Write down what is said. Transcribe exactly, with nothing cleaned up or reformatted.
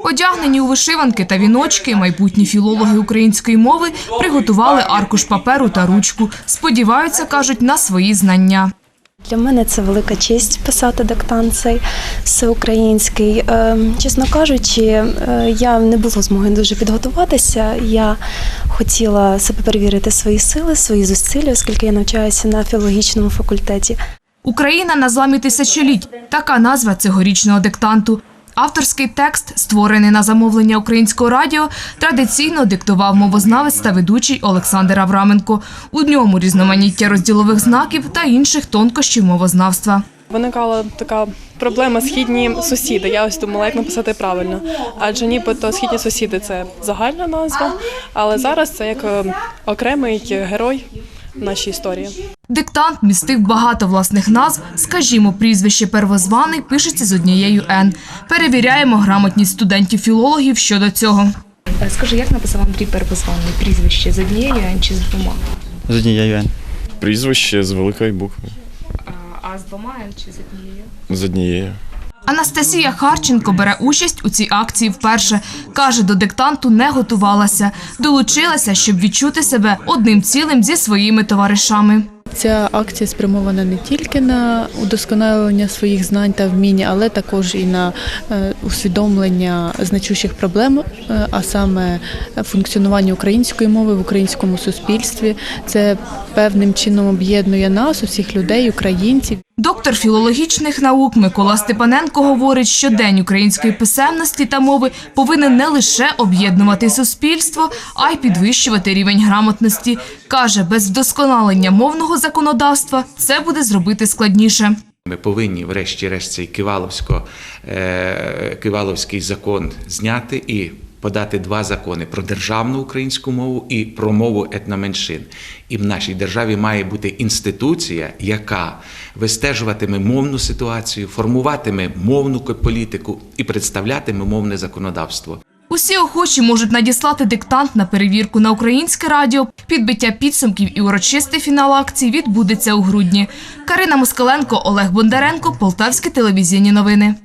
Одягнені у вишиванки та віночки, майбутні філологи української мови приготували аркуш паперу та ручку. Сподіваються, кажуть, на свої знання. Для мене це велика честь писати диктант цей всеукраїнський. Чесно кажучи, я не було змоги дуже підготуватися. Я хотіла себе перевірити свої сили, свої зусилля, оскільки я навчаюся на філологічному факультеті. «Україна на зламі тисячоліть» – така назва цьогорічного диктанту. Авторський текст, створений на замовлення Українського радіо, традиційно диктував мовознавець та ведучий Олександр Авраменко. У ньому різноманіття розділових знаків та інших тонкощів мовознавства. Виникала така проблема «східні сусіди». Я ось думала, як написати правильно. Адже нібито «східні сусіди» – це загальна назва, але зараз це як окремий герой нашій історії. Диктант містив багато власних назв. Скажімо, прізвище «Первозваний» пишеться з однією «Н». Перевіряємо грамотність студентів-філологів щодо цього. Скажи, як написав Андрій Первозваний? Прізвище з однією «Н» чи з двома? З однією «Н». Прізвище з великої букви. А з двома «Н» чи з однією? З однією. Анастасія Харченко бере участь у цій акції вперше. Каже, до диктанту не готувалася. Долучилася, щоб відчути себе одним цілим зі своїми товаришами. Ця акція спрямована не тільки на удосконалення своїх знань та вмінь, але також і на усвідомлення значущих проблем, а саме функціонування української мови в українському суспільстві. Це певним чином об'єднує нас, усіх людей, українців. Доктор філологічних наук Микола Степаненко говорить, що День української писемності та мови повинен не лише об'єднувати суспільство, а й підвищувати рівень грамотності. Каже, без вдосконалення мовного законодавства це буде зробити складніше. Ми повинні, врешті-решт, цей Киваловсько, е, Киваловський закон зняти і подати два закони – про державну українську мову і про мову етноменшин. І в нашій державі має бути інституція, яка вистежуватиме мовну ситуацію, формуватиме мовну політику і представлятиме мовне законодавство. Усі охочі можуть надіслати диктант на перевірку на Українське радіо. Підбиття підсумків і урочистий фінал акції відбудеться у грудні. Карина Москаленко, Олег Бондаренко, Полтавські телевізійні новини.